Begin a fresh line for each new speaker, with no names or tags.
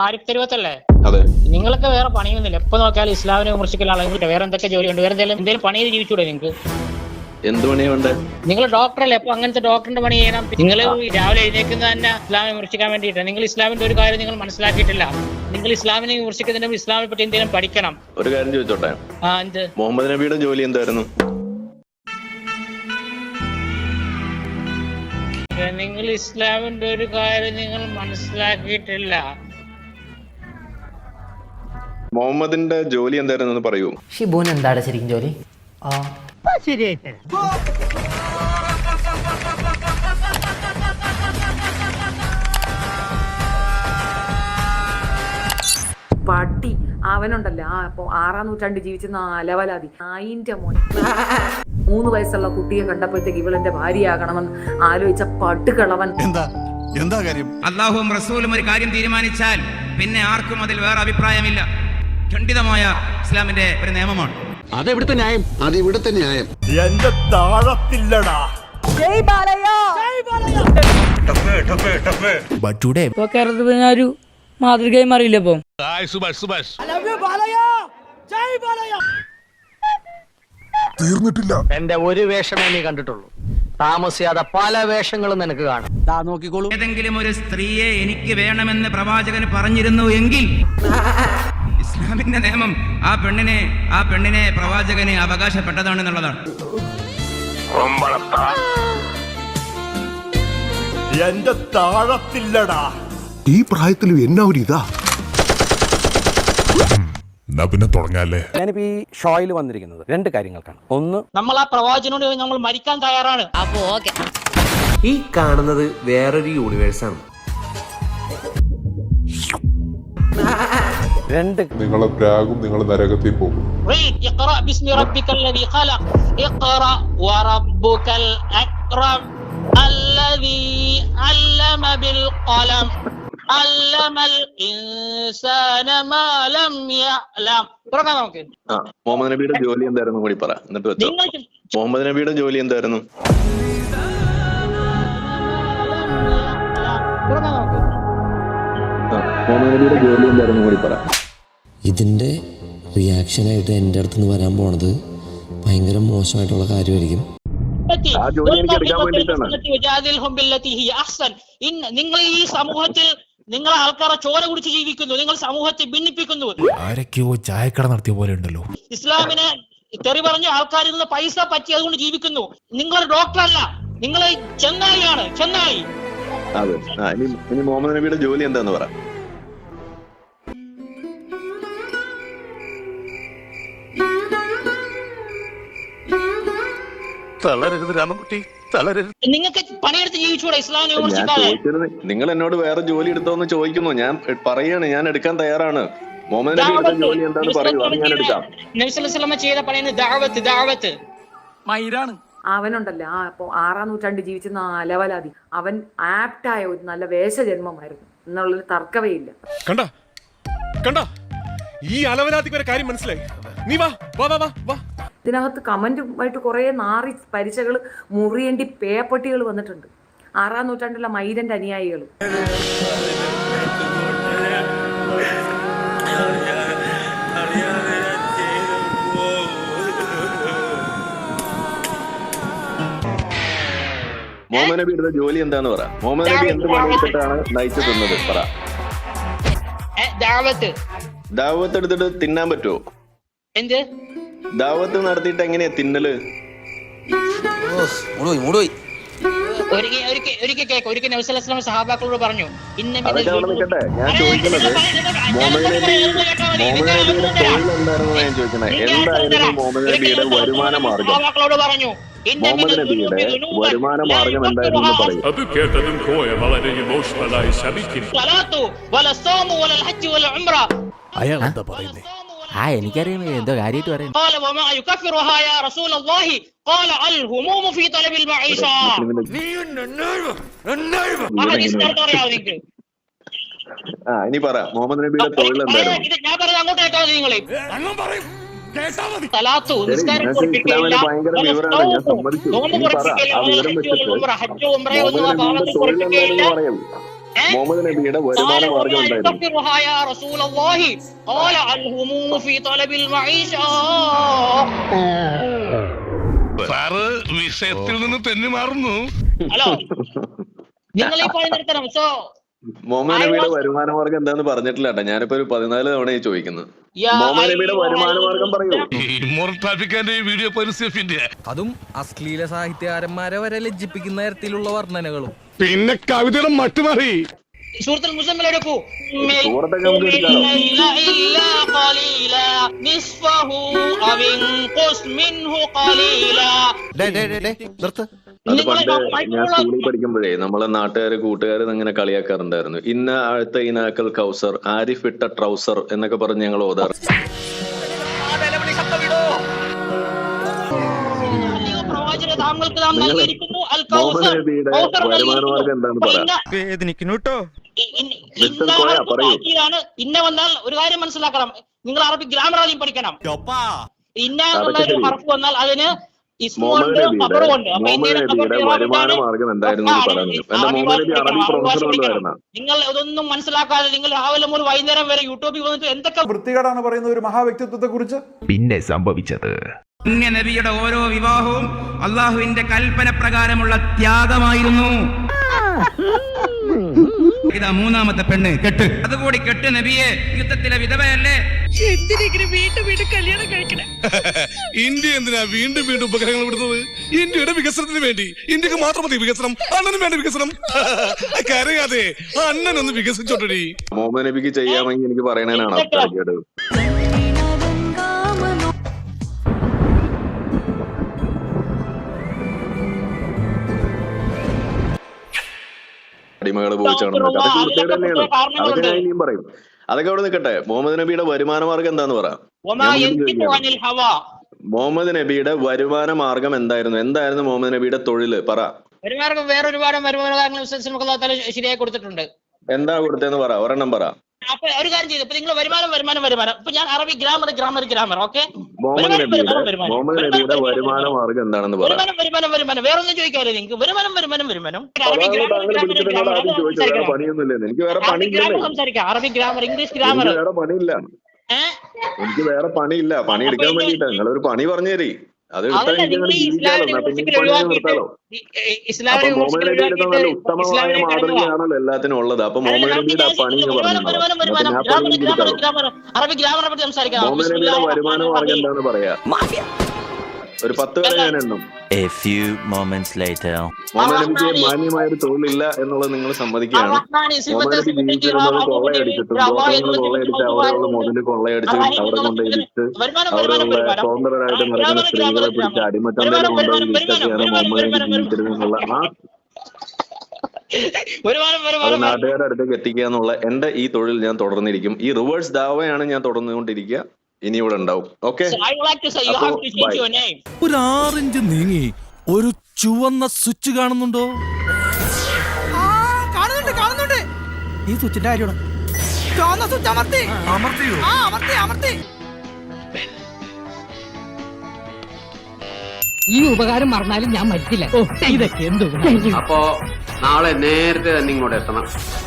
ആരിഫ് തെരുവത്തല്ലേ?
അതെ.
നിങ്ങളൊക്കെ വേറെ പണിയൊന്നുമില്ല, എപ്പോ നോക്കിയാലും ഇസ്ലാമിനെ വിമർശിക്കുന്ന ആളുകൾ. വേറെ എന്തൊക്കെ ജോലിയുണ്ട്? വേറെ എന്തെങ്കിലും പണി ചെയ്ത് ജീവിച്ചൂടെ നിങ്ങൾക്ക്?
എന്ത് പണിയുണ്ട്?
നിങ്ങൾ ഡോക്ടറല്ലേ, അപ്പൊ അങ്ങനത്തെ ഡോക്ടറിന്റെ പണി ചെയ്യണം. നിങ്ങൾ രാവിലെ എഴുന്നേക്കുന്നത് തന്നെ ഇസ്ലാമിനെ വിമർശിക്കാൻ വേണ്ടിയിട്ട്. നിങ്ങൾ ഇസ്ലാമിന്റെ ഒരു കാര്യം നിങ്ങൾ മനസ്സിലാക്കിയിട്ടില്ല. നിങ്ങൾ ഇസ്ലാമിനെ വിമർശിക്കുന്നതിന് ഇസ്ലാമിനെ പറ്റി എന്തെങ്കിലും പഠിക്കണം.
ഒരു കാര്യം ചോദിച്ചോട്ടെ?
എന്ത്?
മുഹമ്മദ് നബിയുടെ ജോലി എന്തായിരുന്നു?
നിങ്ങൾ ഇസ്ലാമിന്റെ ഒരു കാര്യം നിങ്ങൾ മനസ്സിലാക്കിയിട്ടില്ല.
മുഹമ്മദിന്റെ ജോലി എന്തായിരുന്നു പറയൂ.
ഷിബുൻ എന്താണ് ശരിക്കും ജോലി?
ശരിയായിട്ട്
പട്ടി അവനുണ്ടല്ലോ. അപ്പൊ 6-ാം നൂറ്റാണ്ട് ജീവിച്ചിരുന്ന അലവലാതി നായിന്റെ മോൻ 3 വയസ്സുള്ള കുട്ടിയെ കണ്ടപ്പോഴത്തേക്ക് ഇവളെന്റെ ഭാര്യയാകണമെന്ന് ആലോചിച്ച പട്ടുകളവൻ.
എന്താ കാര്യം?
അല്ലാഹുവും റസൂലും ഒരു കാര്യം തീരുമാനിച്ചാൽ പിന്നെ ആർക്കും അതിൽ വേറെ അഭിപ്രായമില്ല. ഖണ്ഡിതമായ ഇസ്ലാമിന്റെ ഒരു നിയമമാണ്.
അതെവിടുത്തെ ന്യായം? അതിവിടുത്തെ ന്യായം.
എന്റെ താഴത്തില്ലടാ.
കേരളത്തിൽ മാതൃകയായി മാറിയില്ല. ഇപ്പം
തീർന്നിട്ടില്ല.
എന്റെ ഒരു വേഷമേ നീ കണ്ടിട്ടുള്ളൂ. താമസിയാതെ പല വേഷങ്ങളും നിനക്ക് കാണാം. നോക്കിക്കോളൂ.
ഏതെങ്കിലും ഒരു സ്ത്രീയെ എനിക്ക് വേണമെന്ന് പ്രവാചകന് പറഞ്ഞിരുന്നു എങ്കിൽ ഇസ്ലാമിന്റെ നിയമം ആ പെണ്ണിനെ പ്രവാചകന് അവകാശപ്പെട്ടതാണെന്നുള്ളതാണ്.
എന്റെ താഴത്തില്ലടാ.
ഈ പ്രായത്തിലും എന്നാ ഒരു ഇതാ. പിന്നെ തുടങ്ങാല്ലേ.
ഞാനിപ്പോ ഈ ഷോയിൽ വന്നിരിക്കുന്നത് 2 കാര്യങ്ങൾക്കാണ്. ഒന്ന്,
നമ്മൾ ആ പ്രവാചകനോട് നമ്മൾ മരിക്കാൻ തയ്യാറാണ്.
അപ്പോ ഓക്കെ.
ഈ കാണുന്നത് വേറൊരു യൂണിവേഴ്സാണ്.
2,
നിങ്ങളെ പ്രാഗും നിങ്ങൾ നരകത്തിൽ പോകും.
മുഹമ്മദ് നബിയുടെ ജോലി എന്തായിരുന്നു കൂടി പറ, എന്നിട്ട് വെച്ചോ. മുഹമ്മദ് നബിയുടെ ജോലി എന്തായിരുന്നു? മുഹമ്മദ് നബിയുടെ ജോലി എന്തായിരുന്നു കൂടി പറ.
ഇതിന്റെ റിയാക്ഷനായിട്ട് എൻ്റെ അടുത്തുനിന്ന് വരാൻ പോണത് ഭയങ്കര മോശമായിട്ടുള്ള കാര്യമായിരിക്കും.
ആ ജോലി എനിക്ക് എടുക്കാൻ വേണ്ടിയിട്ടാണ്.
നിങ്ങൾ ഈ സമൂഹത്തിൽ നിങ്ങൾ ആൾക്കാരെ ചോര കുടിച്ച് ജീവിക്കുന്നു. നിങ്ങൾ സമൂഹത്തെ ഭിന്നിപ്പിക്കുന്നു.
ആരൊക്കെയോ ചായക്കട നടത്തിയ പോലെ ഉണ്ടല്ലോ.
ഇസ്ലാമിനെ തെറി പറഞ്ഞ ആൾക്കാരിൽ നിന്ന് പൈസ പറ്റി അതുകൊണ്ട് ജീവിക്കുന്നു. നിങ്ങളൊരു ഡോക്ടറല്ല, നിങ്ങൾ ചെന്നായിയാണ്, ചെന്നായി.
അതെ. ഇനി മുഹമ്മദ് നബിയുടെ ജോലി എന്താന്ന് പറ.
തളരരുത് രാമൻകുട്ടി, തളരരുത്.
നിങ്ങൾക്ക് പണിയെടുത്ത് ജീവിച്ചൂടെ ഇസ്ലാമിനെ
ഞാൻ
വിമർശിക്കാതെ?
ചോദിച്ചത്, നിങ്ങൾ എന്നോട് വേറെ ജോലി എടുത്തോന്ന് ചോദിക്കുന്നു. ഞാൻ പറയാണ്, ഞാൻ എടുക്കാൻ തയ്യാറാണ്. മുഹമ്മദ് നബിയുടെ ജോലി എന്താന്ന് പറയൂ, അത് ഞാൻ എടുക്കാം.
നബി സല്ലല്ലാഹു അലൈഹി വസല്ലം ചെയ്ത പണിയാണ് ദഅവത്ത്.
മൈരാണ് അവനുണ്ടല്ലോ. അപ്പൊ 6-ാം നൂറ്റാണ്ട് ജീവിച്ചിരുന്ന അലവലാതി. അവൻ ആപ്റ്റായ ഒരു നല്ല വേഷജന്മമായിരുന്നു എന്നുള്ളൊരു തർക്കവേ ഇല്ല.
കണ്ട ഈ അലവലാതിക്ക് ഒരു കാര്യം മനസ്സിലായി. നീ വാ വാ വാ വാ.
ഇതിനകത്ത് കമന്റുമായിട്ട് കുറെ നാറി പരിചകൾ മുറിയേണ്ടി പേപ്പട്ടികൾ വന്നിട്ടുണ്ട്. 6-ാം നൂറ്റാണ്ടിലുള്ള മൈരന്റെ അനുയായികൾ.
മുഹമ്മദ് നബിയുടെ ജോലി എന്താന്ന് പറ. മുഹമ്മദ് നബി എന്ത് പണിയെടുത്തിട്ടാണ് നയിച്ചു തിന്നത് പറ. ദാവത്ത് എടുത്തിട്ട് തിന്നാൻ പറ്റുമോ?
എന്ത്
ദാവത്ത് നടത്തിയിട്ട് എങ്ങനെയാ തിന്നല്?
ഒരിക്കൽ നബി സല്ലല്ലാഹു അലൈഹി വസല്ലം സഹാബാക്കളോട് പറഞ്ഞു,
അതൊക്കെ അവിടെ നിൽക്കട്ടെ. ഞാൻ ചോദിക്കുന്നത് മുഹമ്മദ് നബിയുടെ തൊഴിൽ എന്തായിരുന്നു ഞാൻ ചോദിക്കുന്നത്. എന്തായിരുന്നു മുഹമ്മദ് നബിയുടെ വരുമാന മാർഗം? മുഹമ്മദ് നബിയുടെ വരുമാന മാർഗം എന്തായിരുന്നു പറയും.
അത് കേട്ടതും കോയ വളരെ ഇമോഷണലായി ശമിക്കും.
അയാൾ എന്താ പറയുന്നേ?
എനിക്കറിയാം എന്തോ കാര്യമായിട്ട് പറയാം.
ഇനി പറ, മുഹമ്മദ് നബിയുടെ തൊഴിൽ എന്തായിരുന്നു? ഇസ്ലാമിന് ഭയങ്കര വിവരമാണ്, ഞാൻ സമ്മതിച്ചു. ഇനി പറ, ആ വിവരം വെച്ചിട്ട് മുഹമ്മദ് നബിയുടെ തൊഴിൽ എന്തായിരുന്നു പറയൂ. മുഹമ്മദ് നബിയുടെ വരുമാന മാർഗം എന്തായിരുന്നു?
സാറ് വിഷയത്തിൽ നിന്ന് തെന്നി മാറുന്നു.
ഹലോ, നിങ്ങൾ ഈ പണി നിർത്തണം. സോ
മുഹമ്മദ് നബിയുടെ വരുമാന മാർഗം എന്താന്ന് പറഞ്ഞിട്ടില്ല കേട്ടോ. ഞാനിപ്പോ ഒരു 14 തവണയായി ചോദിക്കുന്നത്. മുഹമ്മദ് നബിയുടെ വരുമാന മാർഗം പറയൂ.
ട്രാഫിക്കാന്റെ വീഡിയോ പരിസരത്തിന്റെ
അതും അശ്ലീല സാഹിത്യകാരന്മാരെ വരെ ലജ്ജിപ്പിക്കുന്ന തരത്തിലുള്ള വർണ്ണനകളും.
പിന്നെ കവിതയുടെ മട്ടുമാറി.
സൂറത്തുൽ മുസമ്മിൽ എടുക്കൂ.
സൂറത്തൊക്കെ നമുക്ക് എടുക്കാലോ. അത് പണ്ട് ഞാൻ സ്കൂളിൽ പഠിക്കുമ്പോഴേ നമ്മളെ നാട്ടുകാര് കൂട്ടുകാര് ഇങ്ങനെ കളിയാക്കാറുണ്ടായിരുന്നു. ഇന്ന ആഴ്ത്ത ഇനാക്കൽ കൗസർ, ആരിഫ് ഇട്ട ട്രൗസർ എന്നൊക്കെ പറഞ്ഞ് ഞങ്ങൾ ഓതാറ്. മുഹമ്മദ് നബിയുടെ വരുമാന മാർഗം എന്താണെന്ന് പറയാം.
ഇന്ന വന്നാൽ ഒരു കാര്യം മനസ്സിലാക്കണം. നിങ്ങൾ അറബിക് ഗ്രാമർ ആദ്യം പഠിക്കണം. ഇന്ന എന്നുള്ള ഒരു ഹർഫ് വന്നാൽ അതിന്
മുഹമ്മദ് നബിയുടെ വരുമാന മാർഗം എന്തായിരുന്നു പറയുന്നത്? എന്റെ മുഹമ്മദ് നബി അറബി പ്രൊഫസർ വന്നതായിരുന്ന.
നിങ്ങൾ ഇതൊന്നും മനസ്സിലാക്കാതെ നിങ്ങൾ രാവിലെ മുതൽ വൈകുന്നേരം വരെ യൂട്യൂബിൽ വന്നിട്ട് എന്തൊക്കെ
വൃത്തികേടാണ് പറയുന്ന ഒരു മഹാവ്യക്തിത്വത്തെ കുറിച്ച്.
പിന്നെ സംഭവിച്ചത്
പുണ്യ നബിയുടെ ഓരോ വിവാഹവും അള്ളാഹുവിന്റെ കൽപ്പന പ്രകാരമുള്ള ത്യാഗമായിരുന്നു. ഇതാ മൂന്നാമത്തെ പെണ്ണ് കെട്ട്. അതുകൂടി കെട്ട് നബിയെ, യുദ്ധത്തിലെ വിധവയല്ലേ.
ഇന്ത്യ എന്തിനാ വീണ്ടും വീണ്ടും ഉപഗ്രഹങ്ങൾ വിടുന്നത്? ഇന്ത്യയുടെ വികസനത്തിന് വേണ്ടി. ഇന്ത്യക്ക് മാത്രം മതി വികസനം, അണ്ണനും വേണ്ട വികസനം. കരയാതെ അണ്ണനൊന്ന് വികസിച്ചോട്ടടി.
മുഹമ്മദ് നബിക്ക് ചെയ്യാമെങ്കിൽ എനിക്ക് പറയണേനാണ് അഭിപ്രായം. അടിമകള് പോയിച്ചാണ് അതൊക്കെ വൃത്തികേട് തന്നെയാണ്. അതൊക്കെ ഞാൻ ഇനിയും പറയും. അതൊക്കെ അവിടെ നിൽക്കട്ടെ. മുഹമ്മദ് നബിയുടെ വരുമാന മാർഗം എന്താന്ന് പറ. മുഹമ്മദ് നബിയുടെ വരുമാന മാർഗം എന്തായിരുന്നു മുഹമ്മദ് നബിയുടെ തൊഴില് പറ.
വരുമാനം വേറൊരുപാട് വരുമാനങ്ങൾ ശരിയായി കൊടുത്തിട്ടുണ്ട്.
എന്താ കൊടുത്തെന്ന് പറ, ഒരെണ്ണം പറ.
അപ്പൊ ഒരു കാര്യം ചെയ്തു. ഇപ്പൊ നിങ്ങൾ വരുമാനം ഇപ്പൊ ഞാൻ അറബി ഗ്രാമർ ഓക്കെ.
മുഹമ്മദ് നബിയുടെ വരുമാന മാർഗം എന്താണെന്ന് പറ.
വരുമാനം വേറൊന്നും ചോദിക്കാറില്ല നിങ്ങൾക്ക്. വരുമാനം
പണിയൊന്നുമില്ല. എനിക്ക് വേറെ പണിയില്ല.
സംസാരിക്കാം. അറബി ഗ്രാമർ, ഇംഗ്ലീഷ് ഗ്രാമർ.
വേറെ പണിയില്ല. എനിക്ക് വേറെ പണിയില്ല. പണി എടുക്കാൻ വേണ്ടിട്ടാ. നിങ്ങളൊരു പണി പറഞ്ഞു തരി. അത് ഉത്തമമായ മാതൃകയാണല്ലോ എല്ലാത്തിനും ഉള്ളത്. അപ്പൊ മുഹമ്മദ് നബിയുടെ പണി പറഞ്ഞു. മുഹമ്മദ് നബിയുടെ വരുമാന മാർഗം എന്താന്ന് പറയാ. ഒരു 10 വരെ ഞാൻ എണ്ണും. മുഹമ്മദ് നബിക്ക് മാന്യമായ ഒരു തൊഴിലില്ല എന്നുള്ളത് നിങ്ങൾ സമ്മതിക്കുകയാണ്. മുഹമ്മദ് നബി ജീവിച്ചിരുന്നത് കൊള്ളയടിച്ചിട്ടും ദോഷങ്ങൾ കൊള്ളയടിച്ച് അവിടെയുള്ള മുതല് കൊള്ളയടിച്ച് അവിടെ കൊണ്ട് ഇടിച്ച് അവിടെയുള്ള സ്വതന്ത്രരായിട്ട് നടക്കുന്ന സ്ത്രീകളെ പിടിച്ച് അടിമച്ചന്തയിൽ കൊണ്ടുപോയി വിറ്റൊക്കെയാണ് മുഹമ്മദ് നബി ജീവിച്ചിരുന്നുള്ള അത് നാട്ടുകാരുടെ അടുത്തേക്ക് എത്തിക്കുക എന്നുള്ള എന്റെ ഈ തൊഴിൽ ഞാൻ തുടർന്നിരിക്കും. ഈ റിവേഴ്സ് ദാവയാണ് ഞാൻ തുടർന്നുകൊണ്ടിരിക്കുക. ഇനി ഇവിടെ ഉണ്ടാവും. ഓക്കെ,
ഒരു 6 ഇഞ്ച് നീങ്ങി ഒരു ചുവന്ന സ്വിച്ച് കാണുന്നുണ്ടോ?
കാണുന്നുണ്ട്. ഈ സ്വിച്ചിന്റെ കാര്യമാണ്.
ഈ ഉപകാരം മറന്നാലും ഞാൻ മരിക്കില്ല. ഇതൊക്കെ എന്തോ.
അപ്പോ നാളെ നേരത്തെ തന്നെ ഇങ്ങോട്ട് എത്തണം.